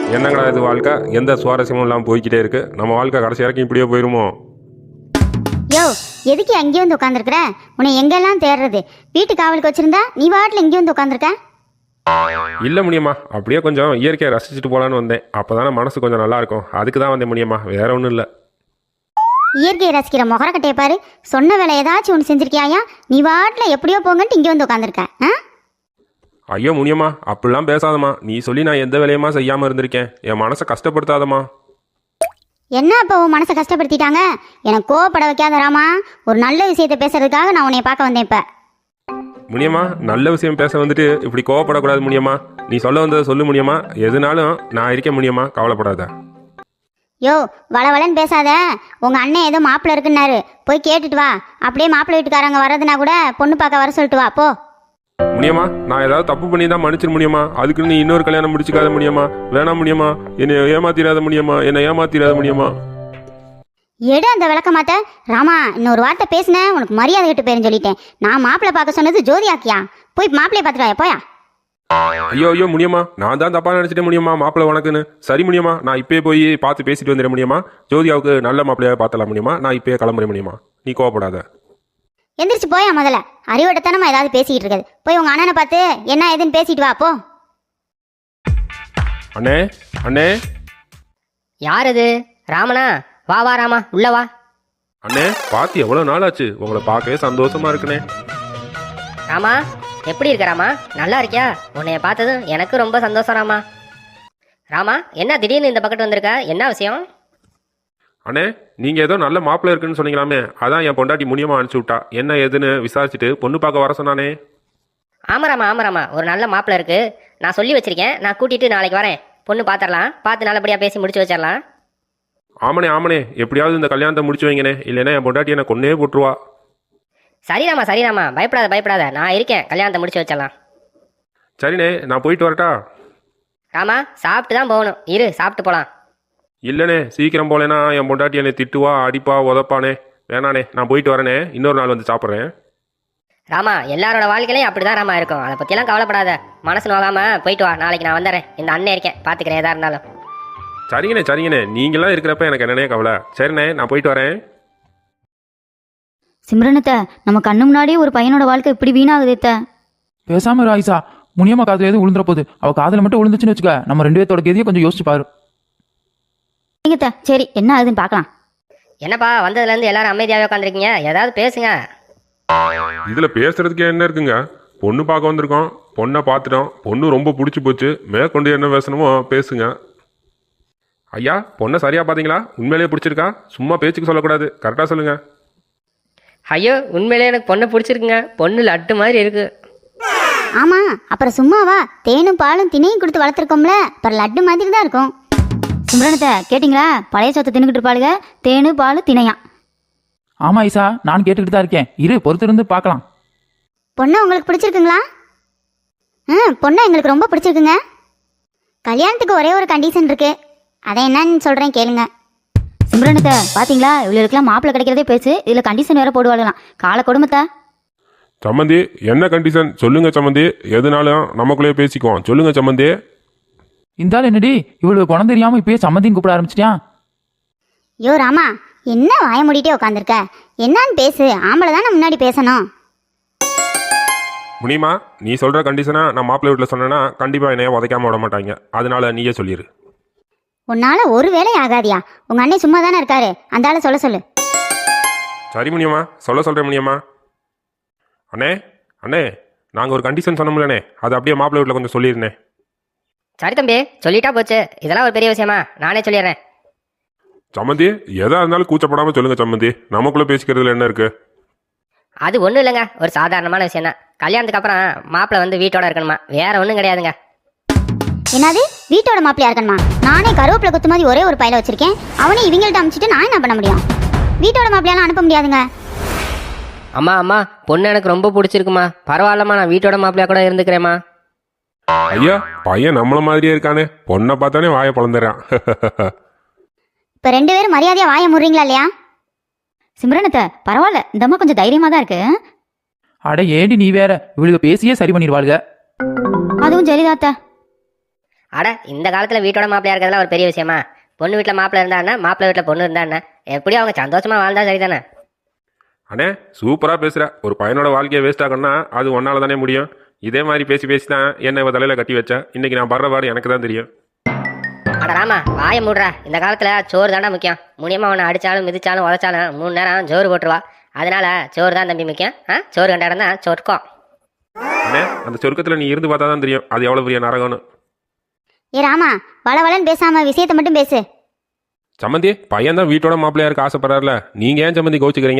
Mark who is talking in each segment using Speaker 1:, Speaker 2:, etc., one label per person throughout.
Speaker 1: என்னங்கடா இது வாழ்க்கை, எந்த சுவாரஸ்யமும் இல்லாமல் போய்கிட்டே இருக்கு. நம்ம வாழ்க்கை கடைசி வரைக்கும் இப்படியே போயிருமோ?
Speaker 2: யோ, எதுக்கு அங்கேயே வந்து உட்காந்துருக்குற? உன்னை எங்கெல்லாம் தேடுறது? வீட்டு காவலுக்கு வச்சிருந்தா நீ வாட்டில் இங்கே வந்து உட்காந்துருக்க.
Speaker 1: இல்லை முடியுமா, அப்படியே கொஞ்சம் இயற்கையை ரசிச்சுட்டு போகலான்னு வந்தேன். அப்போதானே மனசு கொஞ்சம் நல்லா இருக்கும், அதுக்கு தான் வந்தேன் முடியுமா, வேற ஒன்றும் இல்லை.
Speaker 2: இயற்கையை ரசிக்கிற முகரக்கட்டையை பாரு. சொன்ன வேலை ஏதாச்சும் ஒன்று செஞ்சிருக்கியாயா? நீ வாட்டில் எப்படியோ போங்கன்ட்டு இங்கே வந்து உட்காந்துருக்க.
Speaker 1: ஐயோ முடியுமா, அப்படிலாம் பேசாதம்மா. நீ சொல்லி நான் எந்த வேலையுமா செய்யாமல் இருந்திருக்கேன். என் மனசை கஷ்டப்படுத்தாதம்மா.
Speaker 2: என்ன இப்போ உன் மனசை கஷ்டப்படுத்திட்டாங்க? எனக்கு கோவப்பட வைக்காத ராமா. ஒரு நல்ல விஷயத்தை பேசுறதுக்காக நான் உன்னை பார்க்க வந்தேன். இப்போ
Speaker 1: முடியுமா, நல்ல விஷயம் பேச வந்துட்டு இப்படி கோவப்படக்கூடாது முடியுமா. நீ சொல்ல வந்ததை சொல்லு முடியுமா. எதுனாலும் நான் இருக்க முடியுமா, கவலைப்படாத.
Speaker 2: யோ, வளவளன்னு பேசாத. உங்கள் அண்ணன் ஏதோ மாப்பிள்ளை இருக்குன்னாரு, போய் கேட்டுட்டு வா. அப்படியே மாப்பிள்ளை வீட்டுக்காரங்க வர்றதுனா கூட பொண்ணு பார்க்க வர சொல்லிட்டு வா போ.
Speaker 1: முடியுமா, நான் ஏதாவது தப்பு பண்ணி தான் மன்னிச்சிட முடியுமா. அதுக்குன்னு நீ இன்னொரு கல்யாணம் முடிச்சுக்காத முடியுமா. வேணாம் முடியுமா, என்னை ஏமாத்திராத முடியுமா, என்னை ஏமாத்திராத முடியுமா.
Speaker 2: எடு அந்த விளக்கமாத்த. ராமா, இன்னொரு வார்த்தை பேசினேன் உனக்கு மரியாதை கெட்டு போயிருன்னு சொல்லிட்டேன். நான் மாப்பிள்ளை பார்க்க சொன்னது ஜோதியாக்கியா? போய் மாப்பிள்ளைய பார்த்துட்டு போயா.
Speaker 1: ஐயோ ஐயோ முடியுமா, நான் தான் தப்பா நினைச்சிட்டே முடியுமா மாப்பிள்ளை உனக்குன்னு. சரி முடியுமா, நான் இப்பயே போய் பார்த்து பேசிட்டு வந்துட முடியுமா. ஜோதியாவுக்கு நல்ல மாப்பிள்ளையாக பார்த்தலாம் முடியுமா. நான் இப்பயே கிளம்புற முடியுமா, நீ கோவப்படாத.
Speaker 2: எந்திரிச்சு போயா முதல்ல. அறிவட்டத்தனமா ஏதாவது பேசிக்கிட்டு இருக்காது. போய் உங்க அண்ணனை பார்த்து என்ன ஏதுன்னு பேசிட்டு வா போ.
Speaker 1: அண்ணே அண்ணே.
Speaker 3: யார் அது? ராமனா? வா வா ராமா, உள்ள வா.
Speaker 1: அண்ணே, பார்த்து எவ்வளோ நாள் ஆச்சு. உங்களை பார்க்கவே சந்தோஷமா இருக்குண்ணே.
Speaker 3: ராமா, எப்படி இருக்க ராமா? நல்லா இருக்கியா? உன்னைய பார்த்ததும் எனக்கு ரொம்ப சந்தோஷம் ராமா. ராமா, என்ன திடீர்னு இந்த பக்கத்து வந்திருக்க? என்ன விஷயம்?
Speaker 1: அண்ணே, நீங்கள் ஏதோ நல்ல மாப்பிள்ளை இருக்குன்னு சொன்னீங்களாமே, அதான் என் பொண்டாட்டி முனியமாக அனுப்பிச்சி விட்டா. என்ன ஏதுன்னு விசாரிச்சுட்டு பொண்ணு பார்க்க வர சொன்னானே.
Speaker 3: ஆமாராமா ஆமாராமா, ஒரு நல்ல மாப்பிள்ளை இருக்கு. நான் சொல்லி வச்சிருக்கேன். நான் கூட்டிட்டு நாளைக்கு வரேன். பொண்ணு பார்த்துடலாம். பார்த்து நல்லபடியாக பேசி முடிச்சு வச்சிடலாம்.
Speaker 1: ஆமாண்ணே ஆமாண்ணே, எப்படியாவது இந்த கல்யாணத்தை முடிச்சு வைங்கண்ணே. இல்லைன்னா என் பொண்டாட்டி என்னை கொன்னே போட்டுருவா.
Speaker 3: சரிராமா, பயப்படாத, நான் இருக்கேன். கல்யாணத்தை முடிச்சு வச்சிடலாம்.
Speaker 1: சரிண்ணே, நான் போயிட்டு வரட்டா?
Speaker 3: ராமா, சாப்பிட்டு தான் போகணும். இரு, சாப்பிட்டு போகலாம்.
Speaker 1: இல்லைண்ணே, சீக்கிரம் போலேன்னா என் பொண்டாட்டி என்னை திட்டுவா, அடிப்பா, உதப்பானே. வேணாண்ணே, நான் போயிட்டு வரேனே. இன்னொரு நாள் வந்து சாப்பிட்றேன்.
Speaker 3: ராமா, எல்லாரோட வாழ்க்கையிலையும் அப்படிதான் ராமா இருக்கும். அதை பற்றியெல்லாம் கவலைப்படாத. மனசு நோகாம போயிட்டு வா. நாளைக்கு நான் வந்துடுறேன். இந்த அண்ணன் இருக்கேன், பார்த்துக்கிறேன் எதா இருந்தாலும்.
Speaker 1: சரிங்கண்ணே, நீங்களாம் இருக்கிறப்ப எனக்கு என்னன்னே கவலை. சரிண்ணே, நான் போயிட்டு வரேன்.
Speaker 4: சிம்ரனத்தை, நம்ம கண்ணு முன்னாடியே ஒரு பையனோட வாழ்க்கை இப்படி வீணாகுதேத்த.
Speaker 5: பேசாம இரு ஆயிஷா. முனியம்மா காதுல எதுவும் விழுந்துற போகுது. அவ காதுல மட்டும் விழுந்துச்சுன்னு வச்சுக்க, நம்ம 2 பேர்த்தோட கேதியை கொஞ்சம் யோசிச்சு பாரு.
Speaker 4: சரி, என்ன ஆகுதுன்னு பார்க்கலாம்.
Speaker 3: என்னப்பா, வந்ததுலேருந்து எல்லாரும் அமைதியாகவே உட்காந்துருக்கீங்க? ஏதாவது பேசுங்க.
Speaker 1: இதில் பேசுறதுக்கு என்ன இருக்குங்க. பொண்ணு பார்க்க வந்திருக்கோம், பொண்ணை பார்த்துட்டோம். பொண்ணு ரொம்ப பிடிச்சி போச்சு. மேற்கொண்டு என்ன பேசணுமோ பேசுங்க. ஐயா, பொண்ணை சரியா பார்த்தீங்களா? உண்மையிலேயே பிடிச்சிருக்கா? சும்மா பேச்சுக்கு சொல்லக்கூடாது, கரெக்டாக சொல்லுங்க.
Speaker 3: ஐயோ, உண்மையிலே எனக்கு பொண்ணு பிடிச்சிருக்குங்க. பொண்ணு லட்டு மாதிரி இருக்கு.
Speaker 2: ஆமா, அப்புறம் சும்மாவா? தேனும் பாலும் தினையும் கொடுத்து வளர்த்துருக்கோம்ல, அப்புறம் லட்டு மாதிரி தான் இருக்கும்.
Speaker 4: சிம்ரனத்தை கேட்டிங்களா? பழைய சொத்தை தின்னுக்கிட்டு இருப்பாளுங்க. தேனு பாலு தினையா.
Speaker 5: ஆமா ஐசா, நான் கேட்டுக்கிட்டு தான் இருக்கேன். இரு, பொறுத்திருந்து பார்க்கலாம்.
Speaker 2: பொண்ணு உங்களுக்கு பிடிச்சிருக்குங்களா? பொண்ணு எங்களுக்கு ரொம்ப பிடிச்சிருக்குங்க. கல்யாணத்துக்கு ஒரே ஒரு கண்டிஷன் இருக்கு. அதை என்னன்னு சொல்றேன் கேளுங்க.
Speaker 4: சிம்ரனத்தை பாத்தீங்களா? இவளுக்கெல்லாம் மாப்பிள்ளை கிடைக்கிறதே பேசு, இதுல கண்டிஷன் வேற போடுவாங்களாம். கால கொடுமத்தா.
Speaker 1: சம்மந்தி, என்ன கண்டிஷன் சொல்லுங்க சம்மந்தி. எதுனாலும் நமக்குள்ளேயே பேசிக்குவோம். சொல்லுங்க சம்மந்தி.
Speaker 5: இந்தாலும் என்னடி, இவளுக்கு குணம் தெரியாம இப்பயே சம்மந்தின்னு கூப்பிட ஆரம்பிச்சிட்டியா?
Speaker 2: யோ ராமா, என்ன வாய மூடிட்டே உட்காந்துருக்க? என்னன்னு பேசு. ஆம்பளை தானே முன்னாடி பேசணும்.
Speaker 1: முடியுமா, நீ சொல்ற கண்டிஷனா நான் மாப்பிள்ளை வீட்டில் சொன்னேன்னா கண்டிப்பா என்னைய உதைக்காம விட மாட்டாங்க. அதனால நீயே சொல்லிடு.
Speaker 2: உன்னால ஒரு வேலை ஆகாதியா? உங்க அண்ணன் சும்மா தானே இருக்காரு, அந்த ஆளை சொல்ல சொல்லு.
Speaker 1: சரி முடியுமா, சொல்கிறேன் முடியுமா. அண்ணே, நாங்கள் ஒரு கண்டிஷன் சொன்னோம்லண்ணே, அது அப்படியே மாப்பிள்ளை வீட்டில் கொஞ்சம் சொல்லியிருந்தேன்.
Speaker 3: சரி தம்பி, சொல்லிட்டா போச்சு. இதெல்லாம் ஒரு பெரிய விஷயமா? நானே சொல்லிடுறேன்.
Speaker 1: சம்மந்தி, எதா இருந்தாலும் கூச்சப்படாமல் சொல்லுங்க சம்மந்தி. நமக்குள்ளே பேசிக்கிறதுல என்ன இருக்கு?
Speaker 3: அது ஒன்றும் இல்லைங்க, ஒரு சாதாரணமான விஷயம் தான். கல்யாணத்துக்கு அப்புறம் மாப்பிள்ளை வந்து வீட்டோட இருக்கணுமா, வேற ஒன்றும் கிடையாதுங்க.
Speaker 2: என்னது, வீட்டோட மாப்பிள்ளையா இருக்கணுமா? நானே கருவேப்பிலை குத்து மாதிரி ஒரே ஒரு பையில வச்சிருக்கேன். அவனே இவங்கள்ட்ட அனுப்பிச்சிட்டு நான் என்ன பண்ண முடியும்? வீட்டோட மாப்பிள்ளையாலாம் அனுப்ப முடியாதுங்க.
Speaker 3: அம்மா, பொண்ணு எனக்கு ரொம்ப பிடிச்சிருக்குமா. பரவாயில்லம்மா, நான் வீட்டோட மாப்பிள்ளையா கூட இருந்துக்கிறேம்மா.
Speaker 1: ஐயா, பையன் நம்மள மாதிரியே இருக்கானே. பொண்ணை பார்த்தானே வாயை பழந்துறான்.
Speaker 2: இப்ப 2 பேரும் மரியாதையா வாய முறீங்களா இல்லையா?
Speaker 4: சிம்ரனத்தை பரவாயில்ல, இந்த அம்மா கொஞ்சம் தைரியமா தான் இருக்கு.
Speaker 5: அட ஏடி நீ வேற, இவளுக்கு பேசியே சரி பண்ணிடுவாளுக.
Speaker 4: அதுவும் சரிதாத்த.
Speaker 3: அட இந்த காலத்தில் வீட்டோட மாப்பிள்ளையா இருக்கிறதுலாம் ஒரு பெரிய விஷயமா? பொண்ணு வீட்டில் மாப்பிள்ளை இருந்தா மாப்பிள்ளை வீட்டில் பொண்ணு இருந்தா எப்படியும் அவங்க சந்தோஷமா வாழ்ந்தா சரிதானே?
Speaker 1: அண்ணே சூப்பராக பேசுகிற. ஒரு பையனோட வாழ்க்கையை வேஸ்ட் ஆகணும்னா அது ஒன்னால தானே முடியும். இதே மாதிரி பேசி பேசி தான் என்னை இவ தலையில் கட்டி வச்சா. இன்னைக்கு நான் படுற பாடு எனக்கு தான் தெரியும்.
Speaker 3: அட ராமா வாயை மூடுறா. இந்த காலத்தில் சோறு தாண்டா முக்கியம். முனியமாக அவனை அடித்தாலும் மிதிச்சாலும் உதச்சாலும் 3 நேரம் சோறு போட்டுருவா. அதனால சோறு தான் தம்பி முக்கியம். சோறு கண்ட இடம் தான் சொர்க்கம்.
Speaker 1: அண்ணே அந்த சொர்க்கத்தில் நீ இருந்து பார்த்தா தான் தெரியும் அது எவ்வளோ பெரிய நரகம்னு.
Speaker 2: ஏ ராமா, வளவளன்னு பேசாம விஷயத்தை மட்டும் பேசு.
Speaker 1: சம்மந்தி பையன் தான் வீட்டோட மாப்பிள்ளையா இருக்க ஆசைப்படுறாருல, நீங்கள் ஏன் சம்மந்தி கோச்சிக்கிறீங்க?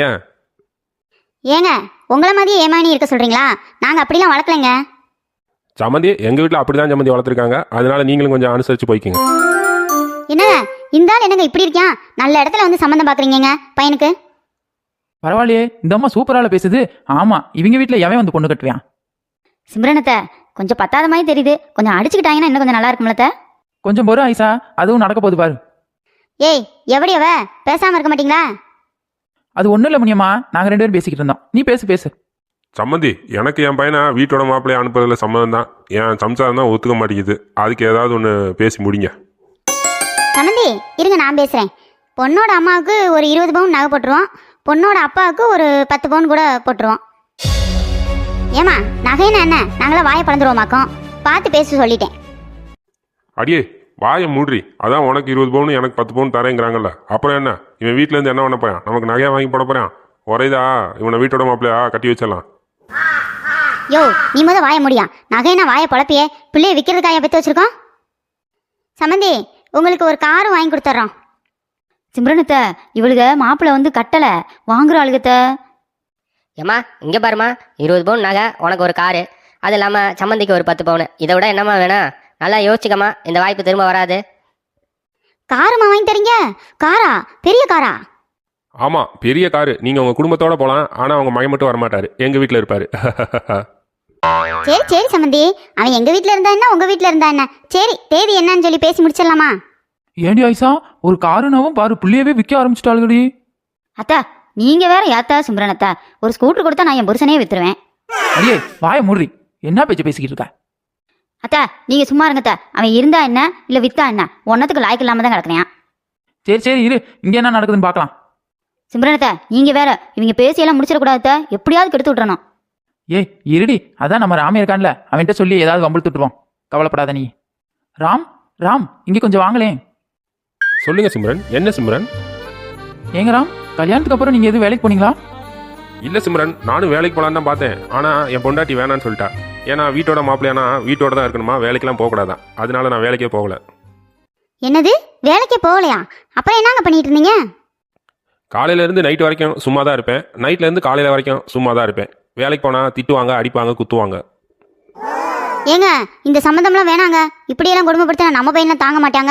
Speaker 2: ஏங்க, உங்களை மாதிரியே ஏமாணி இருக்க சொல்றீங்களா? நாங்க அப்படிலாம் வளர்க்கலைங்க.
Speaker 1: சம்மந்தி எங்கள் வீட்டில் அப்படி தான் சம்மந்தி வளர்த்துருக்காங்க. அதனால நீங்களும் கொஞ்சம் அனுசரித்து போய்க்குங்க.
Speaker 2: என்னங்க இந்த ஆள் என்னங்க இப்படி இருக்கான்? நல்ல இடத்துல வந்து சம்மந்தம் பாக்குறீங்க பையனுக்கு.
Speaker 5: பரவாயில்லையே, இந்த அம்மா சூப்பரால பேசுது. ஆமா, இவங்க வீட்டில் எவன் வந்து பொண்ணு கட்டுவான்?
Speaker 4: சிம்ரனத்தை கொஞ்சம் பத்தாத மாதிரி தெரியுது. கொஞ்சம் அடிச்சுக்கிட்டாங்கன்னா இன்னும் கொஞ்சம் நல்லா இருக்கும்லத்த.
Speaker 5: கொஞ்சம் பொறு ஆயிஷா, அதுவும் நடக்க போகுது பாரு.
Speaker 2: ஏய், எவடியவ பேசாம இருக்க மாட்டீங்களா?
Speaker 5: அது ஒன்றும் இல்லை முனியம்மா, நாங்கள் 2 பேரும் பேசிக்கிட்டு இருந்தோம். நீ பேசு.
Speaker 1: சம்மந்தி எனக்கு என் பையனை வீட்டோட மாப்பிள்ளையை அனுப்புறதுல சம்மதம் தான். என் சம்சாரம் தான் ஒத்துக்க மாட்டேங்குது. அதுக்கு ஏதாவது ஒன்று பேசி முடிங்க.
Speaker 2: சம்மந்தி இருங்க, நான் பேசுறேன். பொண்ணோட அம்மாவுக்கு ஒரு 20 பவுன் நகை போட்டுருவோம். பொண்ணோட அப்பாவுக்கு ஒரு 10 பவுன் கூட போட்டுருவோம். ஏமா நகைன்னா என்ன? நாங்களாம் வாயை பழந்துருவோமாக்கோம். பார்த்து பேச சொல்லிட்டேன்.
Speaker 1: அடியே வாயை மூட்ரி. அதான் உனக்கு 20 பவுன் எனக்கு 10 பவுன் தரேங்கிறாங்கல்ல. அப்புறம் என்ன இவன் வீட்டிலேருந்து என்ன பண்ண போறான்? நமக்கு நகையாக வாங்கி போட போறான். ஒரேதா இவனை வீட்டோட மாப்பிள்ளையா கட்டி வச்சிடலாம்.
Speaker 2: யோ, நீ முத வாய முடியா? நகைனா வாயை பழப்பியே. பிள்ளைய விற்கிறதுக்காக பெற்று வச்சிருக்கோம். சம்மந்தி உங்களுக்கு ஒரு காரும் வாங்கி கொடுத்துட்றோம்.
Speaker 4: சிம்ரனத்தை இவளுக மாப்பிள்ளை வந்து கட்டலை வாங்குற ஆளுகத்த.
Speaker 3: ஏம்மா இங்கே பாருமா, 20 பவுன் நகை, உனக்கு ஒரு காரு, அது இல்லாமல் சம்மந்திக்கு ஒரு 10 பவுன். இதை விட என்னம்மா வேணும்? நல்லா யோசிச்சுக்கம்மா, இந்த வாய்ப்பு திரும்ப வராது.
Speaker 2: காருமா வாங்கி தரீங்க? காரா? பெரிய காரா?
Speaker 1: ஆமாம் பெரிய காரு. நீங்கள் உங்கள் குடும்பத்தோட போகலாம். ஆனால் அவங்க மகன் மட்டும் வரமாட்டார், எங்கள் வீட்டில் இருப்பார்.
Speaker 2: சரி சரி சம்மந்தி, அவன் எங்க வீட்டில் இருந்தா என்ன, உங்க வீட்டில் இருந்தா என்ன? சரி, தேதி என்னன்னு சொல்லி பேசி முடிச்சிடலாமா?
Speaker 5: ஏண்டி ஆயிஷா, ஒரு காருனாவும் பாரு புள்ளியவே விற்க ஆரம்பிச்சிட்டாளுகடி.
Speaker 4: அத்தா நீங்க வேற ஏத்தா சிம்ரனத்தை, ஒரு ஸ்கூட்டர் கொடுத்தா நான் என் புருஷனே வித்துருவேன்.
Speaker 5: அடியே வாயை மூடுறி. என்ன பேச்சு பேசிக்கிட்டு இருக்க?
Speaker 4: அத்தா நீங்க சும்மா இருங்கத்த. அவன் இருந்தா என்ன இல்ல வித்தா என்ன, ஒன்னத்துக்கு லாய்க்கு இல்லாம தான் கிடக்குறேன்.
Speaker 5: சரி இரு, இங்கே என்ன நடக்குதுன்னு பார்க்கலாம்.
Speaker 4: சிம்ரனத்தை நீங்க வேற இவங்க பேசியெல்லாம் முடிச்சிடக்கூடாத, எப்படியாவது கெடுத்து விட்டுறணும்.
Speaker 5: ஏய் இருடி, அதான் நம்ம ராமே இருக்கான்ல, அவன்கிட்ட சொல்லி ஏதாவது வம்பிழுத்துட்டுருவோம். கவலைப்படாத நீ. ராம் இங்கே கொஞ்சம் வாங்களேன்.
Speaker 1: சொல்லுங்க சிம்ரன். என்ன சிம்ரன்?
Speaker 5: ஏங்க ராம், கல்யாணத்துக்கு அப்புறம் நீங்கள் எதுவும் வேலைக்கு போனீங்களா?
Speaker 1: இல்லை சிம்ரன், நானும் வேலைக்கு போகலான்னு தான் பார்த்தேன். ஆனால் என் பொண்டாட்டி வேணான்னு சொல்லிட்டா. ஏன்னா வீட்டோட மாப்பிள்ளையானா வீட்டோட தான் இருக்கணுமா, வேலைக்கெல்லாம் போகக்கூடாதான். அதனால நான் வேலைக்கே போகல.
Speaker 2: என்னது, வேலைக்கே போகலையா? அப்புறம் என்னங்க பண்ணிட்டு இருந்தீங்க?
Speaker 1: காலையிலேருந்து நைட்டு வரைக்கும் சும்மா தான் இருப்பேன். நைட்லேருந்து காலையில் வரைக்கும் சும்மா தான் இருப்பேன். வேலைக்கு போனால் திட்டுவாங்க, அடிப்பாங்க, குத்துவாங்க.
Speaker 2: ஏங்க இந்த சம்மந்தம்லாம் வேணாங்க. இப்படியெல்லாம் கொடுமைப்படுத்தினா நம்ம பையனை தாங்க மாட்டாங்க.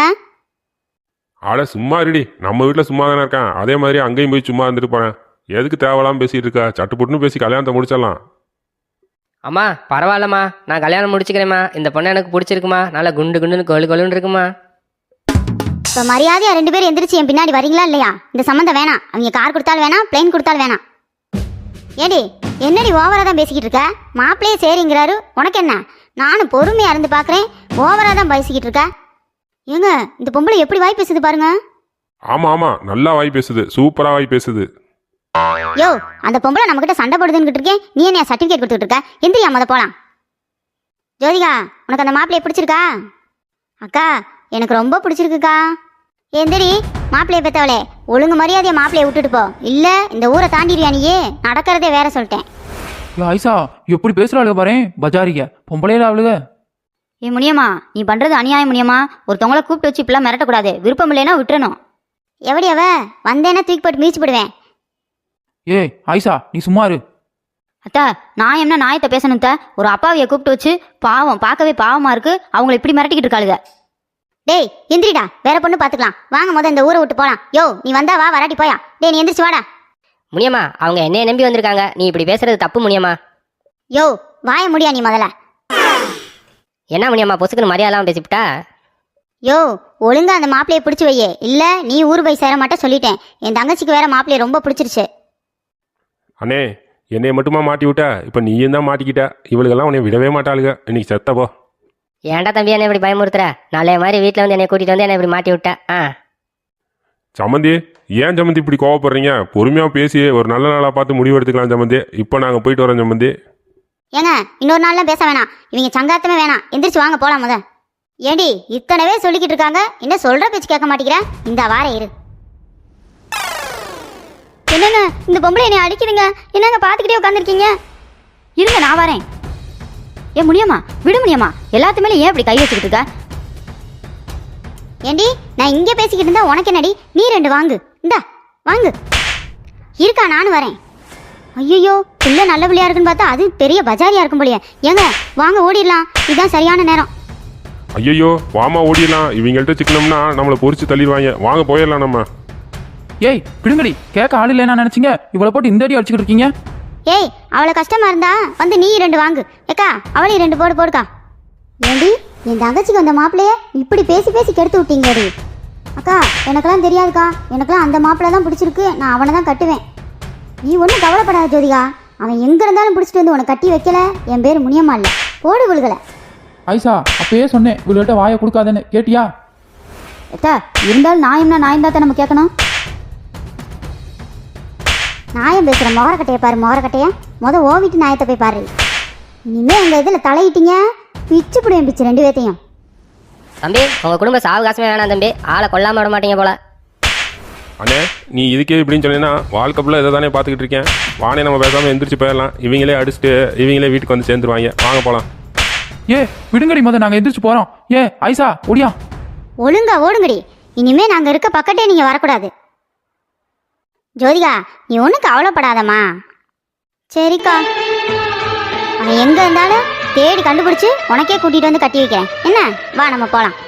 Speaker 1: ஆட சும்மா இருடி, நம்ம வீட்டில் சும்மா தானே இருக்கான். அதே மாதிரி அங்கேயும் போய் சும்மா இருந்துட்டு போகிறேன். எதுக்கு தேவையில்லாமல் பேசிகிட்டு இருக்கா? சட்டுப்புட்டுன்னு பேசி கல்யாணத்தை முடிச்சிடலாம்.
Speaker 3: அம்மா பரவாயில்லம்மா, நான் கல்யாணம் முடிச்சுக்கிறேம்மா. இந்த பொண்ணு எனக்கு பிடிச்சிருக்குமா, நல்லா குண்டு குண்டுன்னு கொழுன்னு இருக்குமா.
Speaker 2: இப்போ மரியாதையா 2 பேரும் எந்திரிச்சு என் பின்னாடி வரீங்களா இல்லையா? இந்த சம்மந்தம் வேணாம். அவங்க கார் கொடுத்தாலும் வேணாம், பிளேன் கொடுத்தாலும் வேணாம். ஏடி என்னடி ஓவரா தான் பேசிக்கிட்டு இருக்க? மாப்பிள்ளையே சரிங்கிறாரு, உனக்கு என்ன? நானும் பொறுமையா இருந்து பார்க்குறேன், ஓவரா தான் பேசிக்கிட்டு இருக்க. ஏங்க இந்த பொம்பளை எப்படி வாய் பேசுது பாருங்க.
Speaker 1: ஆமாம் நல்லா வாய் பேசுது, சூப்பராக வாய் பேசுது.
Speaker 2: யோ, அந்த பொம்பளை நம்மக்கிட்ட சண்டை போடுதுன்னு இருக்கேன், நீ என்ன சர்டிஃபிகேட் கொடுத்துட்டு இருக்க? எந்திரியா முத போலாம். ஜோதிகா, உனக்கு அந்த மாப்பிள்ளையை பிடிச்சிருக்கா? அக்கா எனக்கு ரொம்ப பிடிச்சிருக்குக்கா. எந்திரி, மாப்பிள்ளையை பெற்றவளே, ஒழுங்கு மரியாதையை மாப்பிள்ளையை விட்டுட்டு போ. இல்லை இந்த ஊரை தாண்டிடுவியா நீயே? நடக்கிறதே வேற சொல்லிட்டேன்.
Speaker 5: ஆயிஷா எப்படி பேசுகிறாளுக பாரு, பஜாரிக பொம்பளையில அவளுக.
Speaker 4: ஏ முனியம்மா, நீ பண்றது அநியாயம் முனியம்மா. ஒருத்தவங்கள கூப்பிட்டு வச்சு இப்பெல்லாம் மிரட்டக்கூடாது. விருப்பம் இல்லைன்னா விட்டுறணும்.
Speaker 2: எப்படி அவ வந்தேன்னா தூக்கி போட்டு மீச்சு போடுவேன்.
Speaker 5: ஏய் ஆயிஷா நீ சும்மா இரு.
Speaker 4: அத்தா நான் என்ன நாயத்தை பேசணும் த? ஒரு அப்பாவியை கூப்பிட்டு வச்சு பாவம், பார்க்கவே பாவமா இருக்கு. அவங்கள இப்படி மிரட்டிக்கிட்டு இருக்காளுக.
Speaker 2: டேய் எந்திரிடா, வேற பொண்ணு பார்த்துக்கலாம். வாங்க முத இந்த ஊரை விட்டு போலாம். யோ நீ வந்தா வா, வராட்டி போயா. டேய் நீ எந்திரிச்சு வாடா.
Speaker 3: முனியம்மா அவங்க என்னைய நம்பி வந்திருக்காங்க, நீ இப்படி பேசுறது தப்பு முனியம்மா.
Speaker 2: யோ வாய முடியா நீ முதல்ல.
Speaker 3: என்ன முனியம்மா பொசுக்குன்னு மரியாதைலாம் பேசிவிட்டா?
Speaker 2: யோ ஒழுங்கா அந்த மாப்பிள்ளையை பிடிச்சி வையே, இல்லை நீ ஊர் போய் சேர மாட்டே சொல்லிட்டேன். என் தங்கச்சிக்கு வேற மாப்பிள்ளையை ரொம்ப பிடிச்சிருச்சு.
Speaker 1: அண்ணே என்னைய மட்டுமா மாட்டி விட்ட? இப்போ நீயும் தான் மாட்டிக்கிட்ட. இவளுக்கெல்லாம் உன்னை விடவே மாட்டாளுங்க. இன்னைக்கு செத்தப்போ.
Speaker 3: ஏன்டா தம்பி என்ன இப்படி பயமுறுத்துற? நல்ல மாதிரி வீட்டில் வந்து என்னை கூட்டிகிட்டு வந்து என்னை இப்படி மாட்டி விட்ட.
Speaker 1: சம்மந்தி, ஏன் சம்மந்தி இப்படி கோவப்படுறீங்க? பொறுமையாக பேசி ஒரு நல்ல நாளாக பார்த்து முடிவு எடுத்துக்கலாம் சம்மந்தி. இப்போ நாங்கள் போயிட்டு வரோம் சம்மந்தி.
Speaker 2: ஏங்க இன்னொரு நாள்லாம் பேச வேணாம், இவங்க சங்காத்தமே வேணாம், எந்திரிச்சு வாங்க போலாம். முத ஏண்டி இத்தனவே சொல்லிக்கிட்டு இருக்காங்க, என்ன சொல்ற பேச்சு கேட்க மாட்டேங்கிறேன். இந்த வார இரு. என்னங்க இந்த பொம்பளை என்னை அடிக்குதுங்க, என்னங்க பார்த்துக்கிட்டே உட்காந்துருக்கீங்க?
Speaker 4: இருங்க நான் வரேன். ஏன் முடியுமா? விடு முடியுமா? எல்லாத்து மேலே ஏன் இப்படி கை வச்சுக்கிட்டு இருக்க?
Speaker 2: ஏண்டி நான் இங்கே பேசிக்கிட்டு இருந்தா உனக்கு என்னடி? நீ 2 வாங்கு. இந்தா வாங்கு. இருக்கா நானும் வரேன். ஐயோ பிள்ளை நல்ல பிள்ளையா இருக்குன்னு பார்த்தா அது பெரிய பஜாரியா இருக்கும் போலியே. ஏங்க வாங்க ஓடிடலாம், இதுதான் சரியான நேரம்.
Speaker 1: ஐயோ வாமா ஓடிடலாம். இவங்கள்ட்ட சிக்கனம்னா நம்மளை பொறிச்சு தள்ளிடுவாங்க. வாங்க போயிடலாம் நம்ம.
Speaker 5: ஏய் விடுங்கடி, கேட்க ஆள் இல்லைன்னா நினைச்சீங்க இவ்வளோ போட்டு இந்த அடி அடிச்சுக்கிட்டு இருக்கீங்க.
Speaker 2: ஏய் அவ்வளோ கஷ்டமா இருந்தா வந்து நீ 2 வாங்கு. ஏக்கா அவளையும் 2 போடுக்கா. ஏண்டி என் தங்கச்சிக்கு அந்த மாப்பிள்ளைய இப்படி பேசி பேசி கெடுத்து விட்டீங்கடி. அக்கா எனக்கெல்லாம் தெரியாதுக்கா, எனக்கெல்லாம் அந்த மாப்பிள்ளை தான் பிடிச்சிருக்கு, நான் அவனை தான் கட்டுவேன். நீ ஒன்றும் கவலைப்படாத ஜோதிகா, அவன் எங்கே இருந்தாலும் பிடிச்சிட்டு வந்து உனக்கு கட்டி வைக்கல. என் பேர் முனியம்மா இல்லை, போடு விழுகலை.
Speaker 5: ஐசா அப்பயே சொன்னேன் இவள்கிட்ட வாயை கொடுக்காதேன்னு, கேட்டியா?
Speaker 4: எத்தா இருந்தாலும் நியாயம்னா நியாயம் தான் நம்ம கேட்கணும்.
Speaker 2: நியாயம் பேசுகிற மொகரக்கட்டையை பாரு, மொகரக்கட்டைய முத ஓவிட்டு நியாயத்தை போய் பாரு. இனிமே எங்கள் இதில் தலையிட்டீங்க பிச்சு பிடிவேன், பிச்சு 2 பேத்தையும்.
Speaker 3: தம்பி உங்கள் குடும்ப சாவகாசமே வேணாம் தம்பி, ஆளை கொல்லாமல் விட மாட்டீங்க போல.
Speaker 1: அண்ணே நீ இதுக்கே இப்படின்னு சொன்னீங்கன்னா வாழ்க்கை ஃபுல்லாக இதை தானே பார்த்துக்கிட்டு இருக்கேன். வானே நம்ம பேசாமல் எந்திரிச்சு போயிடலாம். இவங்களே அடிச்சுட்டு இவங்களே வீட்டுக்கு வந்து சேர்ந்துருவாங்க. வாங்க போகலாம்.
Speaker 5: ஏ விடுங்கடி, முத நாங்கள் எந்திரிச்சு போகிறோம். ஏ ஐசா ஓடியா.
Speaker 2: ஒழுங்கா ஓடுங்கடி, இனிமே நாங்கள் இருக்க பக்கத்தே நீங்கள் வரக்கூடாது. ஜோதிகா நீ ஒன்றும் கவலைப்படாதம்மா. சரிக்கா, அவன் எங்கே இருந்தாலும் தேடி கண்டுபிடிச்சி உனக்கே கூட்டிகிட்டு வந்து கட்டி வைக்கிறேன். என்ன வா நம்ம போகலாம்.